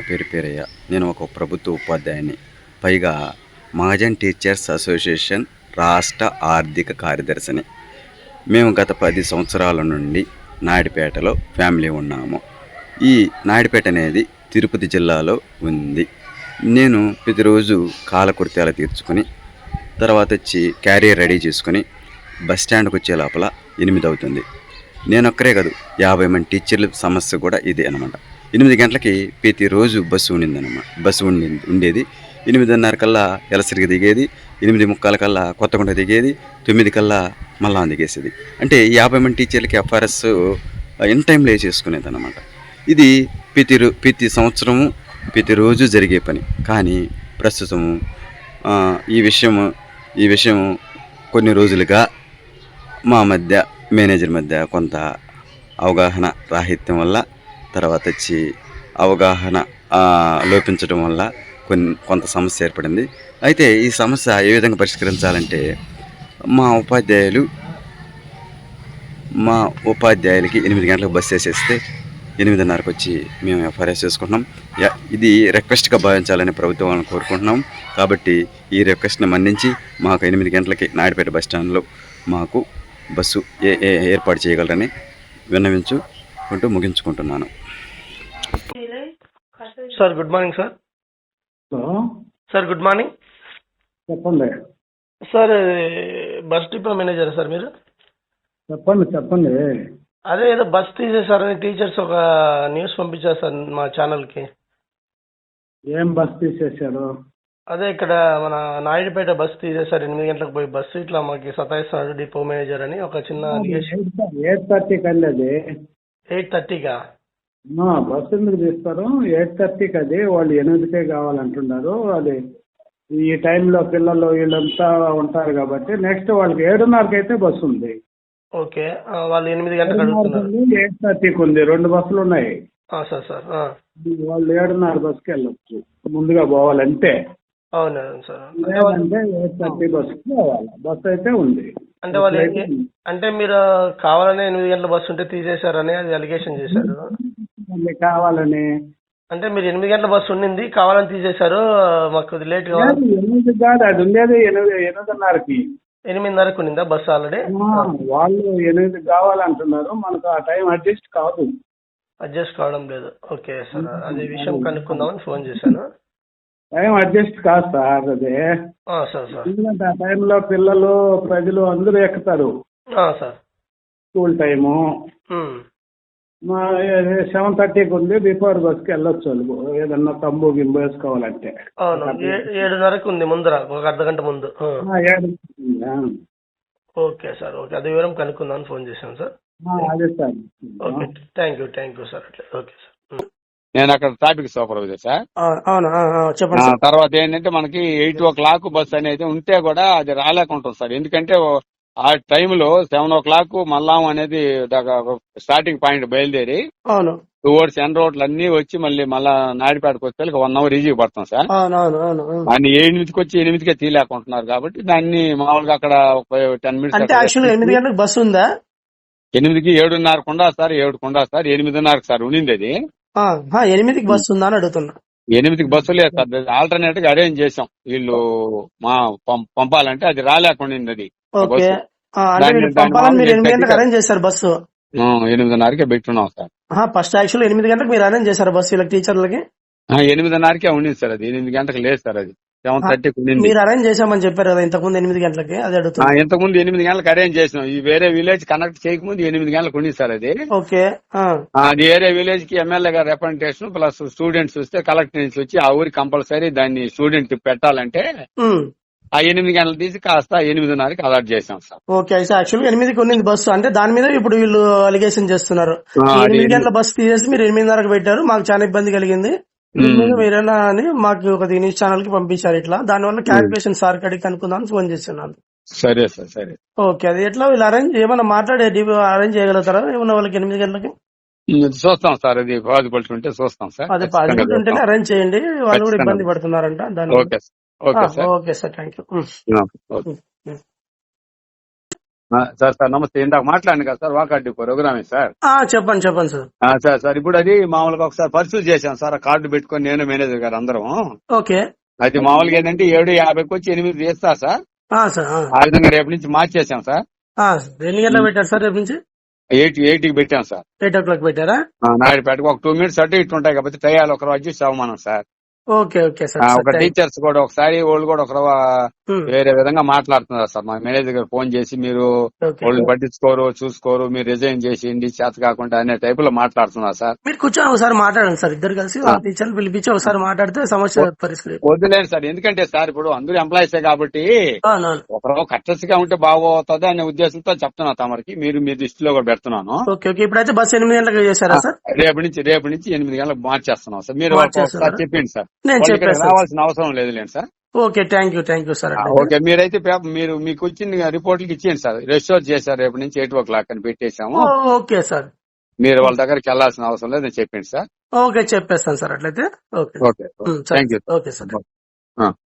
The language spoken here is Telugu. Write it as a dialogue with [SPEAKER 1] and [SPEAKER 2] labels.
[SPEAKER 1] పేరు పేరయ్య. నేను ఒక ప్రభుత్వ ఉపాధ్యాయుని. పైగా మహాజన్ టీచర్స్ అసోసియేషన్ రాష్ట్ర ఆర్థిక కార్యదర్శిని. మేము గత 10 సంవత్సరాల నుండి నాయుడుపేటలో ఫ్యామిలీ ఉన్నాము. ఈ నాయుడుపేట అనేది తిరుపతి జిల్లాలో ఉంది. నేను ప్రతిరోజు కాలకృత్యాలు తీర్చుకొని తర్వాత వచ్చి క్యారియర్ రెడీ చేసుకొని బస్ స్టాండ్కి వచ్చే లోపల 8 అవుతుంది. నేను ఒక్కరే కాదు, 50 మంది టీచర్ల సమస్య కూడా ఇదే అనమాట. 8 గంటలకి ప్రతిరోజు బస్సు ఉండేది. 8:30 కల్లా ఎలసరికి దిగేది, 8:45 కల్లా కొత్తగుంట దిగేది, 9 కల్లా మళ్ళా దిగేసేది. అంటే 50 మంది టీచర్లకి ఎఫ్ఆర్ఎస్ ఇన్ టైంలో వేసేసుకునేది అనమాట. ఇది ప్రతి సంవత్సరము ప్రతిరోజు జరిగే పని. కానీ ప్రస్తుతము ఈ విషయం కొన్ని రోజులుగా మా మధ్య మేనేజర్ మధ్య కొంత అవగాహన రాహిత్యం వల్ల, తర్వాత వచ్చి అవగాహన లోపించడం వల్ల కొంత సమస్య ఏర్పడింది. అయితే ఈ సమస్య ఏ విధంగా పరిష్కరించాలంటే మా ఉపాధ్యాయులకి 8 గంటలకు బస్సు వేసేస్తే 8:30కి వచ్చి మేము ఎఫ్ఆర్ఎస్ చేసుకుంటున్నాం. ఇది రిక్వెస్ట్గా భావించాలని ప్రభుత్వం వాళ్ళని కోరుకుంటున్నాం. కాబట్టి ఈ రిక్వెస్ట్ని మన్నించి మాకు 8 గంటలకి నాయుడుపేట బస్టాండ్లో మాకు బస్సు ఏర్పాటు చేయగలరని విన్నవించుకుంటూ ముగించుకుంటున్నాను.
[SPEAKER 2] Sir good morning sir. Sir good morning.
[SPEAKER 3] చెప్పండి
[SPEAKER 2] sir, bus depot manager sir మీరు?
[SPEAKER 3] చెప్పండి.
[SPEAKER 2] అదే ఏదో బస్ తీసేశారని టీచర్స్ ఒక న్యూస్ పంపించారు సార్ మా ఛానల్కి.
[SPEAKER 3] ఏం బస్ తీసేశారు?
[SPEAKER 2] అదే ఇక్కడ మన నాయుడుపేట బస్ తీసేశారు. 8 గంటలకు పోయి బస్సు ఇట్లా మాకు సతాయిస్తున్నాడు డిపో మేనేజర్ అని ఒక చిన్న
[SPEAKER 3] 8:30కి అండి. అది
[SPEAKER 2] 8:30కా?
[SPEAKER 3] బస్సు ఎందుకు తీస్తారు? 8:30కి. అది వాళ్ళు 8కే కావాలంటున్నారు. అది ఈ టైంలో పిల్లలు వీళ్ళంతా ఉంటారు కాబట్టి నెక్స్ట్ వాళ్ళకి 7:30కి అయితే బస్సు ఉంది.
[SPEAKER 2] ఓకే, వాళ్ళు 8 గంటలకు అడుగుతున్నారు.
[SPEAKER 3] 8:30కి ఉంది. 2 బస్సులు ఉన్నాయి.
[SPEAKER 2] సార్
[SPEAKER 3] వాళ్ళు 7:30 బస్సుకి వెళ్ళొచ్చు, ముందుగా పోవాలంటే.
[SPEAKER 2] అవును సార్.
[SPEAKER 3] లేదంటే 8:30 బస్సుకి పోవాలి. బస్సు అయితే ఉంది.
[SPEAKER 2] అంటే వాళ్ళు అంటే మీరు కావాలనే 8 గంటల బస్సు ఉంటే తీసేశారని అది అలిగేషన్ చేశారు.
[SPEAKER 3] కావాలని
[SPEAKER 2] అంటే మీరు 8 గంటల బస్సు ఉండింది, కావాలని తీసేశారు, మాకు లేట్ కావాలి.
[SPEAKER 3] 8 కాదు, అది ఉండేది 8:30కి.
[SPEAKER 2] 8:30కు ఉండిందా బస్సు ఆల్రెడీ?
[SPEAKER 3] వాళ్ళు 8 కావాలంటున్నారు. మనకు ఆ టైం అడ్జస్ట్ కాదు.
[SPEAKER 2] అడ్జస్ట్ కావడం లేదు. ఓకే సార్, అదే విషయం కనుక్కుందామని ఫోన్ చేశాను.
[SPEAKER 3] టైం అడ్జస్ట్ కాదు సార్ అది.
[SPEAKER 2] సార్
[SPEAKER 3] ఎందుకంటే ఆ టైంలో పిల్లలు ప్రజలు అందరూ ఎక్కుతారు.
[SPEAKER 2] సార్
[SPEAKER 3] స్కూల్ టైము 7:30కి ఉంది. బిఫోర్ బస్కి వెళ్ళొచ్చు వాళ్ళు, ఏదన్నా తంబు గింబు వేసుకోవాలంటే.
[SPEAKER 2] అవును, 7:30కి ఉంది ముందర, ఒక అర్ధగంట ముందు.
[SPEAKER 3] 7.
[SPEAKER 2] ఓకే సార్, ఓకే, అదే వివరం కనుక్కుందామని ఫోన్ చేశాను సార్.
[SPEAKER 3] అదే sir.
[SPEAKER 2] Okay, thank you sir. అట్లా ఓకే సార్.
[SPEAKER 4] నేను అక్కడ ట్రాఫిక్ సూపర్వైజర్ సార్.
[SPEAKER 2] అవును, చెప్పండి.
[SPEAKER 4] తర్వాత ఏంటంటే మనకి 8 బస్ అనేది ఉంటే కూడా అది రాలేకుంటుంది సార్. ఎందుకంటే ఆ టైంలో 7 మల్లాం అనేది స్టార్టింగ్ పాయింట్ బయలుదేరి
[SPEAKER 2] అవును
[SPEAKER 4] టువర్డ్స్ ఎన్ రోడ్లు అన్ని వచ్చి మళ్ళా నాయుడుపేటకు వచ్చే 1 అవర్ ఈజీగా పడుతుంది సార్. దాన్ని 8కి వచ్చి 8కే తీయలేకుంటున్నారు కాబట్టి దాన్ని మామూలుగా అక్కడ 10 మినిట్స్.
[SPEAKER 2] అంటే యాక్చువల్లీ 8 గంటలకు బస్సు ఉందా?
[SPEAKER 4] 8కి 7:30కు ఉందా సార్? 7కు ఉందా సార్? 8:30కు సార్ ఉండింది అది.
[SPEAKER 2] 8కి బస్సు ఉందా అని అడుగుతున్నా.
[SPEAKER 4] 8కి బస్సు లేదు సార్. ఆల్టర్నేట్ గా అరేంజ్ చేసాం వీళ్ళు పంపాలంటే, అది రాలేకుండా అది.
[SPEAKER 2] ఓకే, పంపాలని మీరు 8 గంటలకు అరేంజ్ చేశారు బస్సు?
[SPEAKER 4] 8:30కే పెట్టున్నాం సార్.
[SPEAKER 2] ఫస్ట్ యాక్చువల్ 8 గంటలకు మీరు అరేంజ్ చేశారు బస్సు వీళ్ళకి టీచర్లకి?
[SPEAKER 4] 8:30కే ఉండింది సార్. అది 8 గంటలకు లేదు సార్. అది 7:30కి ఉండింది.
[SPEAKER 2] మీరు అరేంజ్ చేశామని చెప్పారు కదా ఇంతకుముందు 8 గంటలకి, అది అడుగుతున్నా.
[SPEAKER 4] ఇంతకుముందు 8 గంటలకు అరేంజ్ చేసినాం. ఈ వేరే విలేజ్ కనెక్ట్ చేయకముందు 8 గంటలకు ఉండింది సార్ అది.
[SPEAKER 2] ఓకే,
[SPEAKER 4] అది వేరే విలేజ్ కి ఎమ్మెల్యే గారు రిప్రజెంటేషన్ ప్లస్ స్టూడెంట్స్ వస్తే కలెక్టర్ నుంచి వచ్చి ఆ ఊరికి కంపల్సరీ దాన్ని స్టూడెంట్ పెట్టాలంటే ఆ 8 గంటలు తీసి కాస్త 8:30కి అలాట్ చేసాం సార్.
[SPEAKER 2] ఓకే, అయితే యాక్చువల్గా 8కి ఉన్నది బస్సు, అంటే దాని మీద ఇప్పుడు వీళ్ళు అలిగేషన్ చేస్తున్నారు. 8 గంటల బస్సు తీసేసి మీరు 8:30కి పెట్టారు, మాకు చాలా ఇబ్బంది కలిగింది, మీరేనా అని మాకు ఒక న్యూస్ ఛానల్ కి పంపించారు. ఇట్లా దానివల్ల క్యాల్కులేషన్ సార్ కడికి అనుకుందామని ఫోన్ చేస్తున్నాను.
[SPEAKER 4] సరే సార్, సరే.
[SPEAKER 2] ఓకే, అది ఎట్లా వీళ్ళు ఏమన్నా మాట్లాడే అరేంజ్ చేయగలుగుతారా ఏమన్నా వాళ్ళకి 8 గంటలకి?
[SPEAKER 4] చూస్తాం సార్, అది పాజిబిలిటీ ఉంటే చూస్తాం సార్.
[SPEAKER 2] అదే పాజిబిలిటీ ఉంటేనే అరేంజ్ చేయండి, వాళ్ళు కూడా ఇబ్బంది పడుతున్నారంట దాని.
[SPEAKER 4] Okay sir,
[SPEAKER 2] okay sir, thank you.
[SPEAKER 4] Sir నమస్తే. ఇందాక మాట్లాడండి కదా సార్, వాకాటి ప్రోగ్రామే సార్.
[SPEAKER 2] చెప్పండి చెప్పండి సార్.
[SPEAKER 4] సార్ ఇప్పుడు అది మామూలుగా ఒకసారి పరిస్థితి చేశాను సార్, ఆ కార్డు పెట్టుకొని నేను మేనేజర్ గారు అందరం.
[SPEAKER 2] ఓకే.
[SPEAKER 4] అది మామూలుగా ఏంటంటే 7:50కి వచ్చి 8 చేస్తా సార్.
[SPEAKER 2] సార్
[SPEAKER 4] ఆ విధంగా రేపు నుంచి మార్చేసాం సార్.
[SPEAKER 2] ఎన్ని గంటలకు పెట్టారు సార్ రేపు నుంచి?
[SPEAKER 4] 8కి పెట్టాం సార్.
[SPEAKER 2] 8 o'clock పెట్టారా?
[SPEAKER 4] నాయుడుపేటకు ఒక 2 minutes అటు ఇటు ఉంటాయి కాబట్టి టయాలు ఒకరు అడ్జస్ట్ అవ్వమనం సార్.
[SPEAKER 2] Okay okay sir.
[SPEAKER 4] ఒక టీచర్స్ కూడా ఒకసారి వాళ్ళు కూడా ఒకరు వేరే విధంగా మాట్లాడుతున్నారు సార్. మా మేనేజర్ గారు ఫోన్ చేసి మీరు వాళ్ళని పట్టించుకోరు చూసుకోరు, మీరు రిజైన్ చేసేయండి చేత కాకుండా అనే టైప్ లో మాట్లాడుతున్నారు సార్.
[SPEAKER 2] మీరు కూర్చొని ఒకసారి మాట్లాడండి సార్, ఇద్దరు కలిసి టీచర్ పిలిపించి ఒకసారి మాట్లాడితే సమస్య పరిస్థితి
[SPEAKER 4] వద్దులేదు సార్. ఎందుకంటే సార్ ఇప్పుడు అందరూ ఎంప్లాయీసే కాబట్టి ఒకరు కట్టసిగా ఉంటే బాగోతుంది అనే ఉద్దేశంతో చెప్తున్నా తమరికి, మీరు మీ దృష్టిలో కూడా పెడుతున్నాను.
[SPEAKER 2] Okay okay. ఇప్పుడైతే బస్ 8 గంటలకు చేశారా సార్?
[SPEAKER 4] రేపు నుంచి 8 గంటలకు మార్చేస్తున్నాం సార్. మీరు ఒకసారి చెప్పండి సార్,
[SPEAKER 2] నేను చెప్పేసి
[SPEAKER 4] రావాల్సిన అవసరం లేదులేండి sir.
[SPEAKER 2] Okay thank you sir.
[SPEAKER 4] Okay, మీరైతే మీరు మీకు వచ్చిన రిపోర్ట్లకి ఇచ్చేయండి సార్. రెస్టోర్ చేశారు రేపు నుంచి 8 o'clock అని పెట్టేశాము.
[SPEAKER 2] Okay sir.
[SPEAKER 4] మీరు వాళ్ళ దగ్గరికి వెళ్లాల్సిన అవసరం లేదు, నేను చెప్పండి సార్.
[SPEAKER 2] ఓకే చెప్పేస్తాను సార్ అట్లయితే. Okay
[SPEAKER 4] okay thank you.
[SPEAKER 2] Okay sir.